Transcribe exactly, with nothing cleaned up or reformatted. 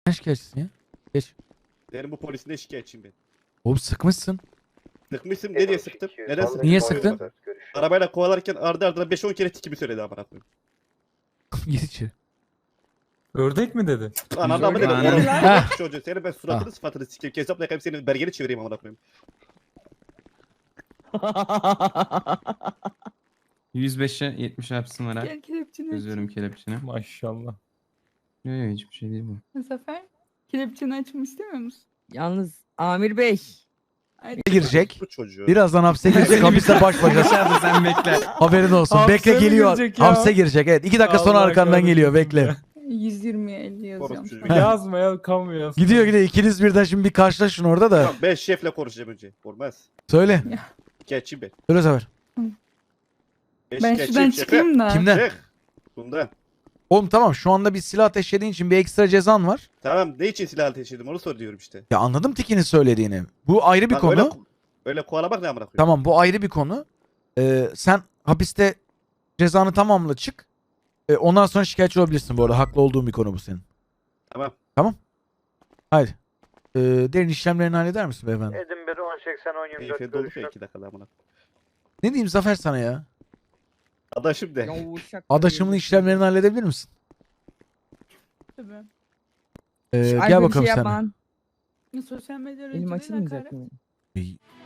Ne şikayetçisin ya? Geç. Benim bu polisine şikayetçiyim ben. Oğlum sıkmışsın. Sıkmışım ne diye sıktım? Neden sıktım? Niye sıktın? Arabayla kovalarken ardı ardına beş on kere tikimi söyledi amına koyayım. Git içeri. Ördek mi dedi? Ananı mı dedim? Aynen. Oğlum Ha. çocuğu seni ben suratını Ah. sıfatını sikeyim. Kesapla yakayım seni belgeni çevireyim amına koyayım. yüz beşe yetmiş yapsın var ha. Gel kelepçeni aç. Çözüyorum kelepçeni. Maşallah. Yok yok hiçbir şey değil bu. Zafer. Kelepçeni açmak istemiyor musun? Yalnız Amir Bey. Ay, Girecek. Bu çocuğu. Birazdan hapse girecek. Hapiste baş başa. Dışarıda sen bekle. Haberin olsun. Hapse Bekle mi geliyor. girecek ya? Hapse girecek. Evet. iki dakika sonra Allah arkandan kahretsin geliyor. Bekle. ya. yüz yirmiye elli yazıyorum Orospu sana. Yazma ya kamu yaz. Gidiyor gidiyor. İkiniz birden şimdi bir karşılaşın orada da. Tamam, ben şefle konuşacağım önce. Olmaz. Söyle. Şikayetçiyim ben. Söyle Zafer. Ben şikayetçiyim, şuradan şefe. çıkayım da. Kimden? Çık. Bundan. Oğlum tamam şu anda bir silah ateşlediğin için bir ekstra cezan var. Tamam ne için silah ateş ettim onu soruyorum işte. Ya anladım Tiki'nin söylediğini. Bu ayrı bir Bak, konu. Öyle, öyle kovalamak ne amına koyayım? Tamam bu ayrı bir konu. Ee, sen hapiste cezanı tamamla çık. Ee, ondan sonra şikayetçi olabilirsin bu arada. Haklı olduğun bir konu bu senin. Tamam. Haydi. Ee, derin işlemlerini halleder misin beyefendi? Edinburgh on seksen on yirmi dört Keyfe dolu görüşler. iki dakika amına koyayım. Ne diyeyim Zafer sana ya? Adaşım de. Ya uşak Adaşımın böyle. işlemlerini halledebilir misin? Tabii. Ee, Ay, gel böyle bakalım şey sen. yapman. Sosyal medya Elim aracılığıyla açılmayacak hakaret. mı? Ee,